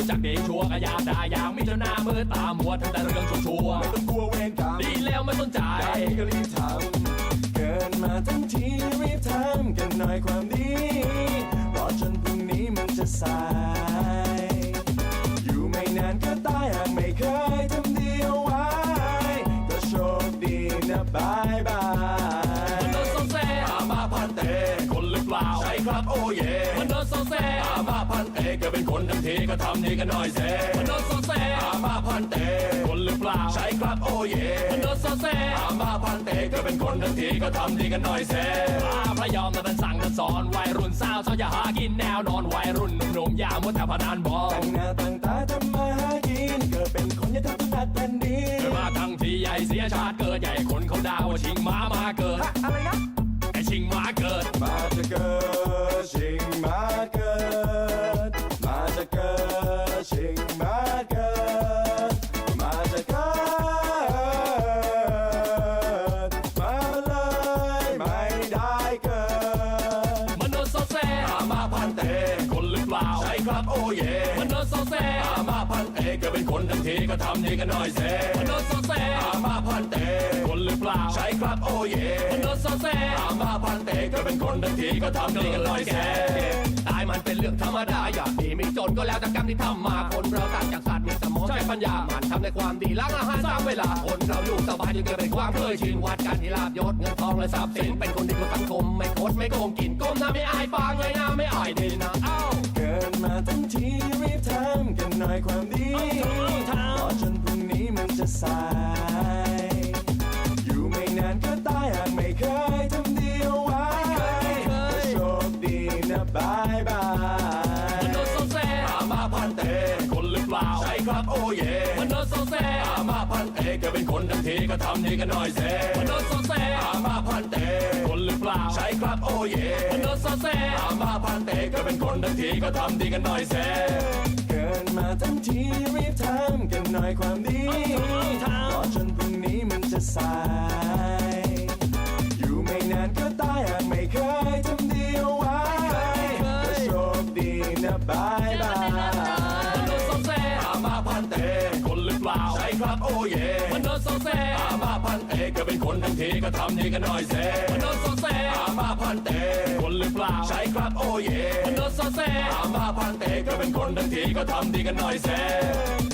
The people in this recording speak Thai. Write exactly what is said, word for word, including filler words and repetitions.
รู้จักเด็กชัวก็อยากได้อย่างมิจฉามือตามัวทำแต่เรื่องชั่วๆไม่ต้องกลัวเวรกรรมดีแล้วไม่สนใจได้ก็รีบทำเกินมาทั้งทีรีบทำกันหน่อยความดีรอจนพรุ่งนี้มันจะสายอยู่ไม่นานก็ตายหากไม่เคยทำดีเอาไว้ก็โชคดีนะบายบายมันโดนโซเซอามาพันเตคนหรือเปล่าใช่ครับโอ้เย่มันโดนโซเซอามาพันเตก็เป็นคนทั้งทีก็ทำดีกันหน่อยเซมันโดนโซเซอามาพันเตคนหรือเปล่าใช่ครับโอ้เย่มันโดนโซเซอามาพันเตก็เป็นคนทั้งทีก็ทำดีกันหน่อยเซพระยอมแต่เป็นสั่งแต่สอนวัยรุ่นสาวเขาอย่าหากินแนวนอนวัยรุ่นหนุ่มๆอย่ามัวแต่พนันบอลตั้งหน้าตั้งตาทำมาหากินเกิดเป็นคนอย่าทำตัวหนักแผ่นดินเกิดมาทั้งที่ใหญ่เสียชาติเกิดใหญ่คนเขาด่าว่าชิงม้ามาเกิดอะไรนะไอชิงม้าเกิดมาจะเกิดชิงม้าเกิดมาจะเกิดชิงม้าเกิดมาจะเกิดมาเลยไม่ได้เกิดมันโดนโซเซอามาพันเตคนหรือเปล่าใช่ครับโอ้เย่มันโดนโซเซอามาพันเตก็เป็นคนทั้งทีก็ทำดีกันหน่อยเซมันโดนโซเซอามาพันเตคนหรือเปล่าใช่ครับโอ้เย่มันโดนโซเซอามาพันเตก็เป็นคนทั้งทีก็ทำดีกันหน่อยเซตายมันเป็นเรื่องธรรมดาอยากดีไม่จนก็แล้วแต่กรรมที่ทำมาคนเราต่างจากสัตว์มีสมองใช้ปัญญามันทำในความดีล้างอาหารสร้างเวลาคนเราอยู่สบายจึงเกิดเป็นความเคยชินวัดกันที่ลาบยศเงินทองและทรัพย์สินเป็นคนดีของสังคมไม่โคตรไม่โกงกินก้มหน้าไม่อายปางเงยหน้าไม่อายดีนะเอ้าเกิดมาทั้งทีรีบทำกันหน่อยความดีรอจนพรุ่งนี้มันจะสายอยู่ไม่นานก็ตายหากไม่เคยทำดีเอาไว้ก็โชคดีนะบายบายมันโดนโซเซอามาพันเตคนหรือเปล่าใช่ครับโอ้เย่มันโดนโซเซอามาพันเตก็เป็นคนทั้งทีก็ทำดีกันหน่อยเซมันโดนโซเซอามาพันเตคนหรือเปล่าใช่ครับโอ้เย่มันโดนโซเซอามาพันเตก็เป็นคนทั้งทีก็ทำดีกันหน่อยเซเกินมาทั้งทีรีบทำกันหน่อยความดีรอจนพรุ่งนี้มันจะสายอยู่ไม่นานก็ตายหากไม่เคยทำดีเอาไว้ก็โชคดีนะบายบายมันโดนโซเซอามาพันเตคนหรือเปล่าใช่ครับโอ้เย่มันโดนโซเซอามาพันเตก็เป็นคนทั้งทีก็ทำดีกันหน่อยเซมันโดนโซเซอามาพันเตคนหรือเปล่าใช่ครับโอ้เย่มันโดนโซเซอามาพันเตก็เป็นคนทั้งทีก็ทำดีกันหน่อยเซ